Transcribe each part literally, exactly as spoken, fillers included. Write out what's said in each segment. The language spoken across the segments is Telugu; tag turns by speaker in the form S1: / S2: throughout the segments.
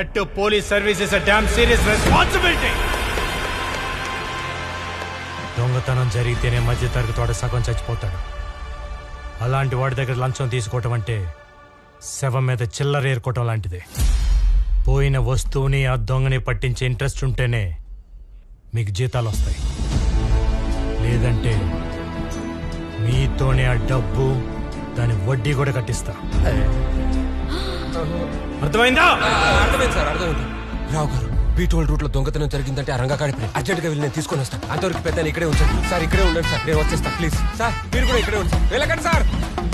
S1: That to police service is a damn serious responsibility. దొంగతనం జరిగితేనే మధ్య తరగతి వాడు సగం చచ్చిపోతాడు. అలాంటి వాడి దగ్గర లంచం తీసుకోవటం అంటే శవం మీద చిల్లర ఏరుకోవటం లాంటిదే. పోయిన వస్తువుని ఆ దొంగని పట్టించే ఇంట్రెస్ట్ ఉంటేనే మీకు జీతాలు వస్తాయి. లేదంటే మీతోనే ఆ డబ్బు దాని వడ్డీ కూడా కట్టిస్తా. అర్థమైందా?
S2: అర్థమైంది సార్, అర్థమైంది. రావు గారు, బీటోల్ రూట్ లో దొంగతనం జరిగిందంటే ఆ రంగా కాడిపోయి అర్జెంట్ గా వెళ్ళి నేను తీసుకొని వస్తాను. అంతవరకు పెద్ద ఇక్కడే ఉంచండి సార్. ఇక్కడే ఉండండి సార్, నేను వచ్చేస్తా. ప్లీజ్ సార్, మీరు కూడా ఇక్కడే ఉంచండి. వెళ్ళకండి సార్.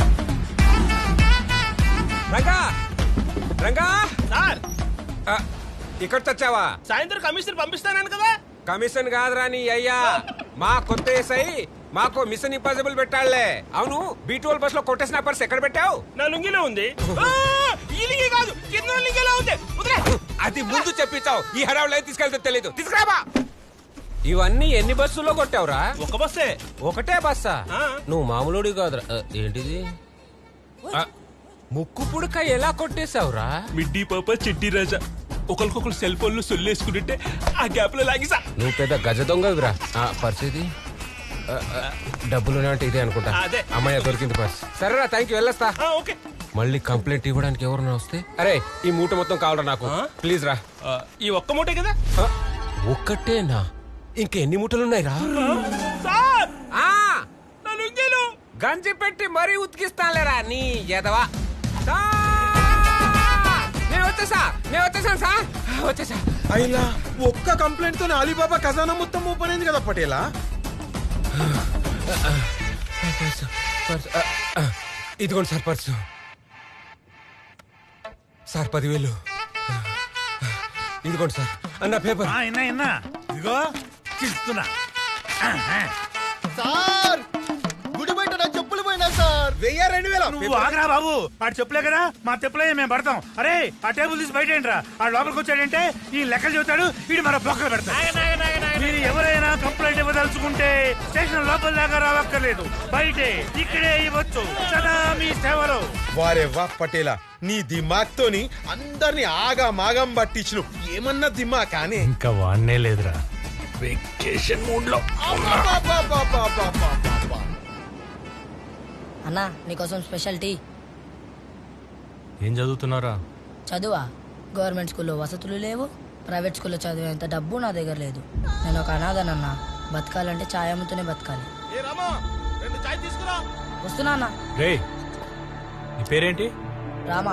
S2: రంగా రంగా
S3: సార్,
S2: ఇక్కడ తెచ్చావా?
S3: సాయంత్రం కమిషన్ పంపిస్తానని కదా.
S2: కమిషన్ కాదురా నీ అయ్యా, మా కొత్త ఎస్ఐ మాకు మిషన్ ఇంపాసిబుల్ పెట్టాళ్లే. అవును, బీటోల్ బస్ లో కొట్టేసిన పర్స్ ఎక్కడ పెట్టావు?
S3: నా లుంగిలో ఉంది. ఈ లుంగి కాదు, కింద లుంగిలో ఉంది.
S2: అది ముందు చెప్పించావు, ఈ హడావులు తీసుకెళ్తే తెలీదు. తీసుకురాబా. ఇవన్నీ ఎన్ని బస్సుల్లో కొట్టావురా?
S3: ఒక బస్సే.
S2: ఒకటే బస్సా? నువ్వు మామూలుడి కాదురా. ఏంటిది? ముక్కు పుడక ఎలా కొట్టేశావురా?
S3: మిడ్డీ పాప చెడ్డీ రాజా ఒకరికొకరు సెల్ ఫోన్లు సొల్లేసుకుంటుంటే ఆ గ్యాప్ లో లాగిసా.
S2: నువ్వు పెద్ద గజ దొంగవిరా. పరిస్థితి డబ్బులు అంటే ఇదే అనుకుంటా. అమ్మాయి దొరికింది పర్స్. సరేరా, థ్యాంక్ యూ, వెళ్ళొస్తా.
S3: ఓకే.
S2: మళ్ళీ కంప్లైంట్ ఇవ్వడానికి ఎవరన్నా వస్తే, అరే ఈ మూట మొత్తం కావాలరా నాకు, ప్లీజ్ రా.
S3: ఈ ఒక్క మూటే కదా?
S2: ఒక్కటేనా? ఇంకా ఎన్ని మూటలున్నాయి రా?
S3: సార్, నా లుంగిలో
S2: గంజి పెట్టి మరీ ఉతికిస్తాలేరా నీ ఎదవా. నేను వచ్చేసా, నేను వచ్చేసాను సార్, వచ్చేసా.
S4: అయినా ఒక్క కంప్లైంట్ తో అలీబాబా ఖజానా మొత్తం ఓపెన్ అయింది కదా పటేలా.
S2: ఇదిగోండి సార్ పర్సు. సార్ పదివేలు. ఇదిగోండి సార్ అన్న పేపర్.
S1: ఇదిగో తీస్తున్నా.
S4: సార్ గుడి బయట నా చెప్పులు పోయినా సార్. వెయ్యి రెండు వేల.
S1: నువ్వు ఆగరా బాబు, ఆడు చెప్పులే కదా, మా చెప్పులే మేము పడతాం. అరే ఆ టేబుల్ తీసి బయట ఏంట్రా? ఆ లోపలికి వచ్చాడంటే ఈ లెక్కలు చెబుతాడు, వీడు మన బొక్కలు పెడతాడు. మీరు ఎవరైనా కంప్లైంట్ ఇవ్వదలుచుకుంటే స్టేషన్ లోపల దాకా రావక్కర్లేదు, బయటే ఇక్కడే ఇవ్వచ్చు. సదా మీ సేవలో.
S4: వారే వా పటేలా, నీ దిమాగ్ తోని అందరిని ఆగా మాగం పట్టించు. ఏమన్నా దిమా కానీ
S1: ఇంకా వాడనే లేదురా, వెకేషన్ మూడ్ లో.
S5: అన్నా నీకోసం స్పెషల్ టీ.
S1: ఏం చదువుతున్నారా?
S5: చదువా? గవర్నమెంట్ స్కూల్లో వసతులు లేవు, ప్రైవేట్ స్కూల్లో చదివేంత డబ్బు నా దగ్గర లేదు. నేను ఒక అనాథనన్నా, బతకాలంటే ఛాయ్ అమ్ముతూనే బతకాలి. వస్తున్నా అన్నా.
S1: రే, నీ పేరేంటి?
S5: రామా.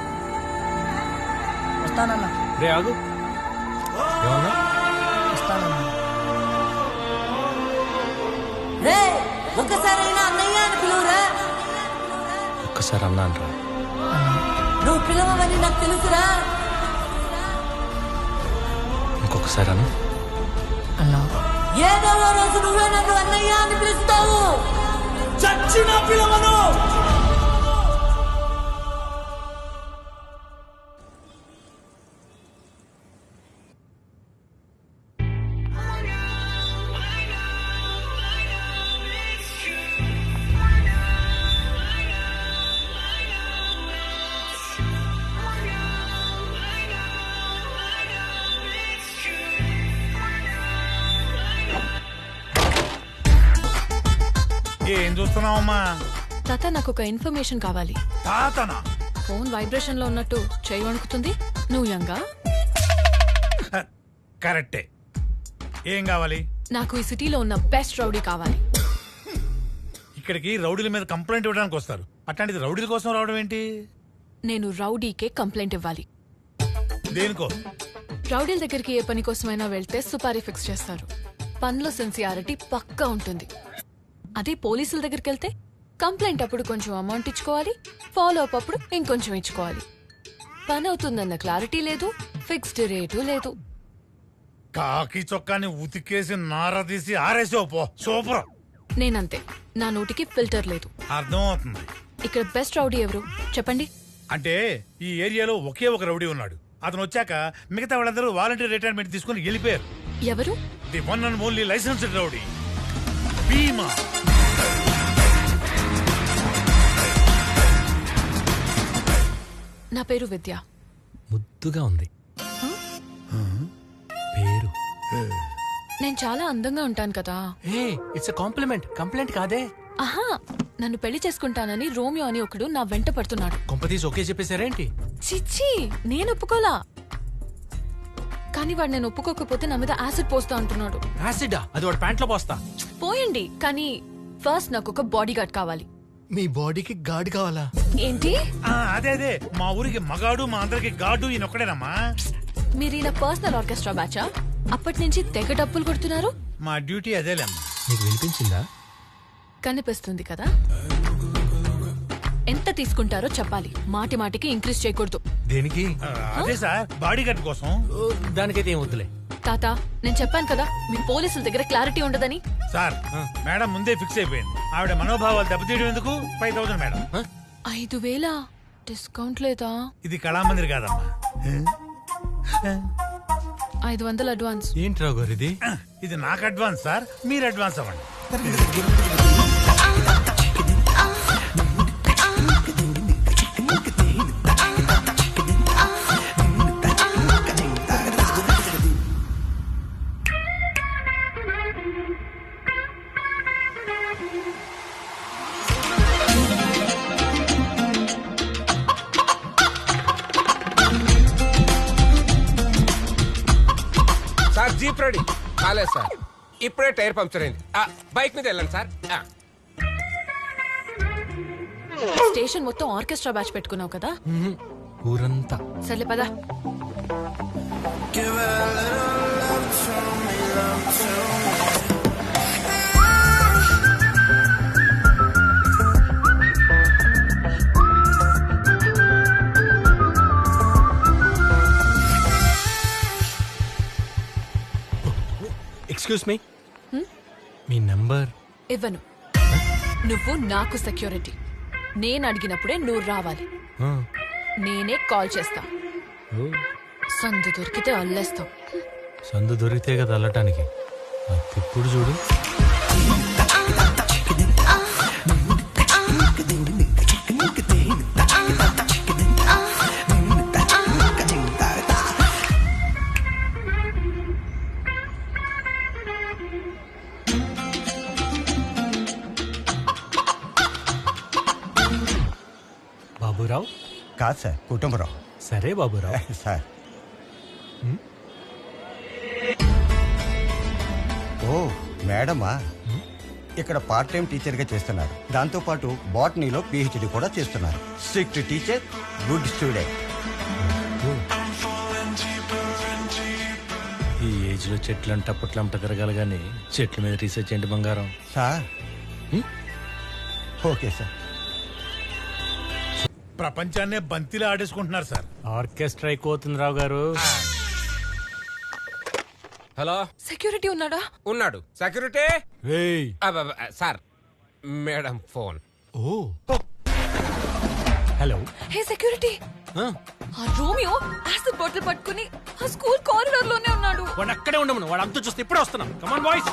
S5: వస్తానన్నా.
S1: రే ఆగు. ఏమన్నా?
S5: వస్తానన్నా. రే ఒక్కసారైనా అన్నయ్య అని పిలువురా.
S1: ఒక్కసారి అన్నా అంటారా?
S5: నువ్వు పిలవమని నాకు తెలుసురా.
S1: ఇంకొకసారి అన్నా.
S5: అన్నా ఏదో రోజు నువ్వే నన్ను అన్నయ్య అని పిలుస్తావు. చచ్చిన పిలవను.
S1: ఏం చూస్తున్నావమ్మా?
S6: తాత, నాకు ఒక ఇన్ఫర్మేషన్ కావాలి.
S1: తాతనా?
S6: ఫోన్ వైబ్రేషన్ లో ఉన్నట్టు చేయి వణుకుతుంది. నువ్వు యంగా?
S1: కరెక్టే. ఏం కావాలి?
S6: నాకు ఈ సిటీలో ఉన్న బెస్ట్ రౌడీ కావాలి.
S1: ఇక్కడికి రౌడీల మీద కంప్లైంట్ ఇవ్వడానికి వస్తారు, అట్లాంటిది రౌడీల కోసం రావడం ఏంటి?
S6: నేను రౌడీకే కంప్లైంట్ ఇవ్వాలి.
S1: దేనికో?
S6: రౌడీల దగ్గరికి ఏ పని కోసమైనా వెళ్తే సుపారీ ఫిక్స్ చేస్తారు. పనిలో సిన్సియారిటీ పక్కా ఉంటుంది. అదే పోలీసుల దగ్గరికి వెళ్తే కంప్లైంట్ అప్పుడు కొంచెం అమౌంట్ ఇచ్చుకోవాలి, ఫాలో అప్ అప్పుడు ఇంకొంచెం ఇచ్చుకోవాలి. పని అవుతుందన్న క్లారిటీ లేదు, ఫిక్స్డ్ రేటు లేదు.
S1: కాకి చొక్కాని ఉతికేసి నార తీసి ఆరేసో పో. సూపర్.
S6: నేనంతే, నా నోటికి ఫిల్టర్ లేదు.
S1: అర్థం అవుతుంది.
S6: ఇక్కడ బెస్ట్ రౌడీ ఎవరు చెప్పండి?
S1: అంటే ఈ ఏరియాలో ఒకే ఒక రౌడీ ఉన్నాడు. అతను వచ్చాక మిగతా వాళ్ళందరూ వాలంటీర్ రిటైర్మెంట్ తీసుకుని వెళ్ళిపోయారు.
S6: ఎవరు?
S1: The one and only licensed rowdy Bheema.
S6: నా పేరు విద్య.
S1: ముద్దుగా ఉంది.
S6: నేను చాలా అందంగా ఉంటాను కదా.
S3: ఏ ఇట్స్ కాంప్లిమెంట్ కంప్లైంట్ కాదే.
S6: ఆహా, నన్ను పెళ్లి చేసుకుంటానని రోమియో అని ఒకడు నా వెంట పడుతున్నాడు.
S3: కొంపతీసి ఓకే చెప్పేశారేంటి?
S6: చిచ్చి, నేను ఒప్పుకోలా. కానీ వాడు నేను ఒప్పుకోకపోతే నా మీద యాసిడ్ పోస్తా అంటున్నాడు.
S3: యాసిడా? అది వాడు ప్యాంట్లో పోస్తా.
S6: పోయండి, కానీ ఫస్ట్ నాకు ఒక బాడీ గార్డ్ కావాలి.
S3: మీ బాడీకి గాడ్ కావాలా?
S6: ఏంటి?
S7: ఆ, అదే అదే మా ఊరికి మగాడు మా అందరికి గాడు ఈయన ఒక్కడేనమ్మా.
S6: మీరు ఇలా పర్సనల్ ఆర్కెస్ట్రా బ్యాచా? అప్పటి నుంచి తెగ డప్పులు కొడుతున్నారు.
S7: మా డ్యూటీ అదేలేమ్మా.
S3: నీకు వినిపించిందా?
S6: కనిపిస్తుంది కదా. ఎంత తీసుకుంటారో చెప్పాలి, మాటి మాటికి ఇంక్రీజ్ చేయకూడదు.
S3: దేనికి?
S7: ఆ, అదే సార్ బాడీ గార్డ్ కోసం.
S3: ఓ, దానికైతే ఏం వద్దులే.
S6: తాత, నేను చెప్పాను కదా మీ పోలీసుల దగ్గర క్లారిటీ ఉండదని.
S7: సార్ మేడం ముందే ఫిక్స్ అయిపోయింది. ఆవిడ మనోభావాలు దెబ్బతీయడం ఎందుకు? Five thousand madam.
S6: ఐదు వేల డిస్కౌంట్ లేదా?
S7: ఇది కళామందిర్ కాదమ్మా.
S6: ఐదు వందలు అడ్వాన్స్.
S3: ఏంటి రావు గారు ఇది?
S7: ఇది నాకు అడ్వాన్స్ సార్, మీరు అడ్వాన్స్ అవ్వండి.
S2: సార్ జీప్ రెడీ కాలేదు సార్, ఇప్పుడే టైర్ పంక్చర్ అయింది. ఆ, బైక్ మీద వెళ్ళండి సార్. ఆ.
S6: స్టేషన్ మొత్తం ఆర్కెస్ట్రా బ్యాచ్ పెట్టుకున్నావు కదా.
S3: ఊరంతా
S6: సర్లే పదా.
S3: ఎక్స్క్యూజ్ మీ, మీ నంబర్?
S6: ఇవ్వను. నువ్వు నాకు సెక్యూరిటీ. నేను అడిగినప్పుడే నువ్వు రావాలి. నేనే కాల్ చేస్తా. సందు దొరికితే అల్లేస్తావు.
S1: సందు దొరికితే కదా అల్లటానికి. ఇప్పుడు చూడు. బాబురావు?
S8: కాదు సార్, కుటుంబరావు.
S1: సరే బాబురావు.
S8: సార్ ఓ మేడమా, ఇక్కడ పార్ట్ టైం టీచర్గా చేస్తున్నారు. దాంతోపాటు బాటనీలో పిహెచ్డి కూడా చేస్తున్నారు. Strict teacher, good student.
S1: ఈ ఏజ్ లో చెట్లు అంట పుట్లంట తిరగాలి కానీ చెట్ల మీద రీసెర్చ్ ఏంటి బంగారం?
S8: Sir okay sir.
S7: ప్రపంచాన్నే బంతిలా ఆడేసుకుంటున్నారు సార్.
S1: ఆర్కెస్ట్రా అయిపోతుంది రావు గారు.
S2: హలో,
S6: సెక్యూరిటీ ఉన్నాడా?
S2: ఉన్నాడు. సెక్యూరిటీ.
S1: రేయ్.
S2: అబ్బబ్బ, సార్ మేడం ఫోన్.
S1: ఓ హలో.
S6: హే సెక్యూరిటీ, ఆ రోమియో యాసిడ్ బాటిల్ పట్టుకుని ఆ స్కూల్ కారిడార్ లోనే ఉన్నాడు.
S3: వాడు అక్కడే ఉండమను, వాడు అంతా చూస్తే ఇప్పుడే వస్తున్నాం. Come on boys.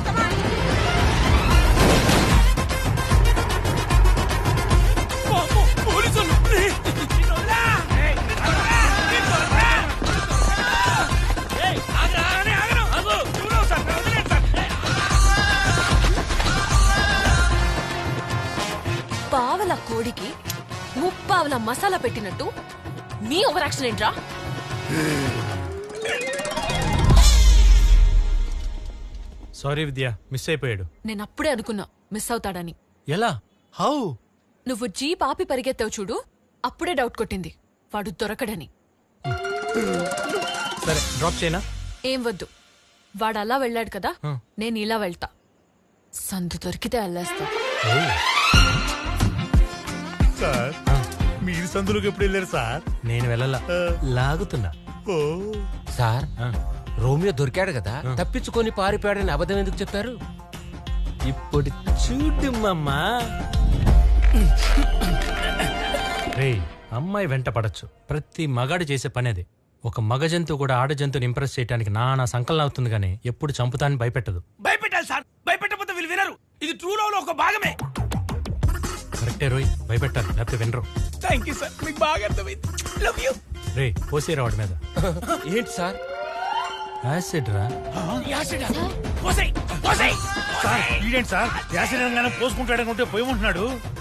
S6: పావల కోడికి ముప్పావల మసాలా పెట్టినట్టు మీ ఓవర్ యాక్షన్ ఏంట్రా?
S1: సారీ విద్య, మిస్ అయిపోయాడు.
S6: నేను అప్పుడే అనుకున్నా మిస్ అవుతాడని.
S1: ఎలా? హౌ?
S6: నువ్వు జీప్ ఆపి పరిగెత్తావు చూడు, అప్పుడే డౌట్ కొట్టింది వాడు దొరకడని.
S1: సరే డ్రాప్ చేయనా?
S6: ఏం వద్దు, వాడు అలా వెళ్ళాడు కదా,
S1: ఆ.
S6: నేను ఇలా వెళ్తా. సందు దొరికితే అల్లేస్తా.
S7: సార్ మీరు సందులోకి ఎప్పుడు వెళ్ళారు సార్?
S1: నేను వెళ్ళలా, లాగుతున్నా.
S7: ఓ
S2: సార్
S1: ఆ,
S2: రోమియో దొరికాడు కదా, తప్పించుకొని పారిపోయాడని అబద్ధం ఎందుకు చెప్పారు?
S1: ఇప్పుడు చూడు మమ్మా. రేయ్, అమ్మాయి వెంట పడచ్చు, ప్రతి మగాడు చేసే పని అది. ఒక మగ జంతువు కూడా ఆడ జంతువుని ఇంప్రెస్ చేయడానికి నానా సంకలనం అవుతుంది కానీ ఎప్పుడు చంపుతాన్ని భయపెట్టదు.
S3: భయపెట్టాలి సార్, భయపెట్టకపోతే వీళ్ళు వినరు. ఇది ట్రూ లవ్ లో ఒక భాగమే.
S1: కరెక్టే రోయ్, భయపెట్టాలి లేకపోతే వినరు.
S3: థ్యాంక్ యూ సార్, మీకు బాగా అర్థమైంది. Love you.
S1: రే పోసేరా వాడి మీద.
S2: ఏంటి సార్?
S1: యాసిడ్ రా
S7: సార్ ఈడేంటి సార్ యాసిడ్ అనగానే పోసుకుంటాడనుకుంటే పోయి ఉంటున్నాడు